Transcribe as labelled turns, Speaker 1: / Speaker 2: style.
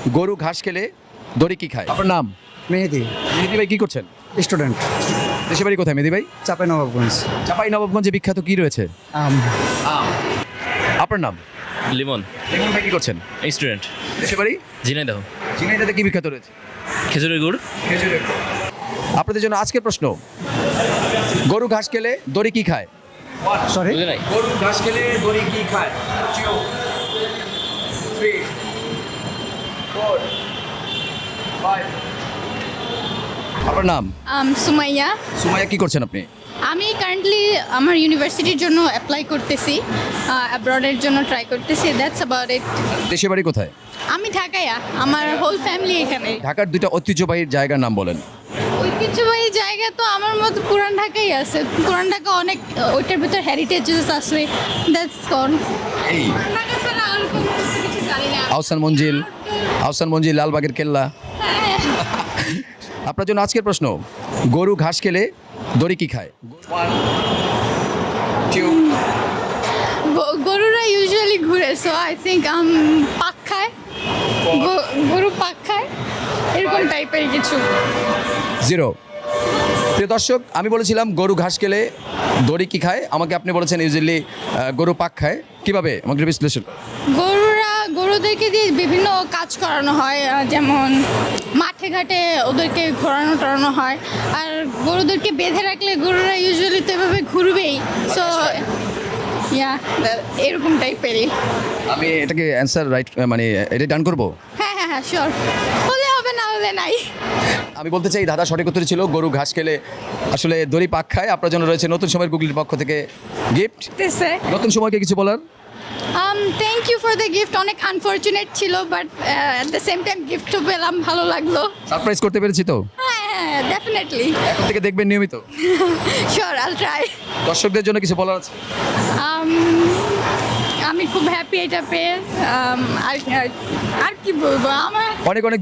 Speaker 1: গরু ঘাস খেলে দড়ি কি খায়? আপনার নাম?
Speaker 2: মেহেদি,
Speaker 1: মেহেদি ভাই কি করছেন?
Speaker 2: স্টুডেন্ট,
Speaker 1: দেশের বাড়ি কোথায় মেহেদি ভাই?
Speaker 2: চাঁপাইনবাবগঞ্জ।
Speaker 1: চাঁপাই নবাবগঞ্জে বিখ্যাত কি রয়েছে?
Speaker 2: আম,
Speaker 1: আপনার নাম?
Speaker 3: লিমন,
Speaker 1: রিমন ভাই কি করছেন?
Speaker 3: স্টুডেন্ট,
Speaker 1: দেশের বাড়ি?
Speaker 3: ঝিনাইদহ,
Speaker 1: ঝিনাইদহে কি বিখ্যাত রয়েছে?
Speaker 3: খেজুরের গুড়।
Speaker 1: আপনাদের জন্য আজকের প্রশ্ন, গরু ঘাস খেলে দড়ি কি খায়?
Speaker 2: সরি,
Speaker 3: বুঝে নাই?
Speaker 1: গরু ঘাস খেলে দড়ি কি খায়? 2 3 4 5 আপনার নাম?
Speaker 4: সুমাইয়া।
Speaker 1: সুমাইয়া কি করছেন আপনি?
Speaker 4: আমি কারেন্টলি আমার ইউনিভার্সিটির জন্য অ্যাপ্লাই করতেছি, অ্যাব্রডের জন্য ট্রাই করতেছি, দ্যাটস অ্যাবাউট ইট।
Speaker 1: দেশের বাড়ি কোথায়?
Speaker 4: আমি ঢাকায়া, আমার হোল ফ্যামিলি এখানে।
Speaker 1: ঢাকার দুইটা ঐতিহ্যবাহী জায়গার নাম বলেন।
Speaker 4: ঐতিহ্যবাহী জায়গা তো আমার মতো পুরান ঢাকাই আছে। পুরান ঢাকা অনেক, ওইটার ভিতর হেরিটেজেস আছে, দ্যাটস কন।
Speaker 1: এই
Speaker 4: ঢাকা ছাড়া আর কোনো কিছু জানি না।
Speaker 1: আহসান মঞ্জিল, লালবাগের কেল্লা।
Speaker 4: হ্যাঁ,
Speaker 1: আপনার জন্য আজকের প্রশ্ন, গরু ঘাস খেলে দড়ি কি খায়? 1 2
Speaker 4: গরুরা ইউজুয়ালি ঘুরে, সো আই থিঙ্ক পাক খায়। গরু পাক খায়, এরকম টাইপের কিছু।
Speaker 1: 0। প্রিয় দর্শক, আমি বলেছিলাম গরু ঘাস খেলে দড়ি কি খায়, আমাকে আপনি বলেছেন ইউজুয়ালি গরু পাক খায়। কিভাবে আমাকে একটু বিশ্লেষণ?
Speaker 4: গরুদেরকে দিয়ে বিভিন্ন কাজ করানো হয়, যেমন মাঠে ঘাটে ওদেরকে ঘোরানো টরানো হয়। আর গরুদেরকে বেঁধে রাখলে গরুরা ইউজুয়ালি তো এভাবে ঘুরবেই, সো এরকম টাইপেরই।
Speaker 1: আমি এটাকে অ্যান্সার রাইট, মানে এটা ডান করবো?
Speaker 4: হ্যাঁ হ্যাঁ হ্যাঁ, শিওর। হলে হবে, না হলে নাই।
Speaker 1: আমি বলতে চাই দাদা সঠিক উত্তর ছিল গরু ঘাস খেলে আসলে দড়ি পাক খায়। আপনার জন্য রয়েছে নতুন সময়ের গুগলির পক্ষ থেকে গিফট। নতুন সময়কে কিছু বলার?
Speaker 4: Thank you for the gift. অনেক আনফর্চুনেট ছিল, but at the same time গিফটও পেলাম, ভালো লাগলো।
Speaker 1: সারপ্রাইজ করতে পেরেছি তো?
Speaker 4: হ্যাঁ হ্যাঁ, ডেফিনেটলি।
Speaker 1: এখন থেকে দেখবেন নিয়মিত।
Speaker 4: শিওর, আইল ট্রাই।
Speaker 1: দর্শকদের জন্য কিছু বলার আছে?
Speaker 4: আমি খুব হ্যাপি এটা পেয়ে। আর কি বলবো, আমার
Speaker 1: অনেক অনেক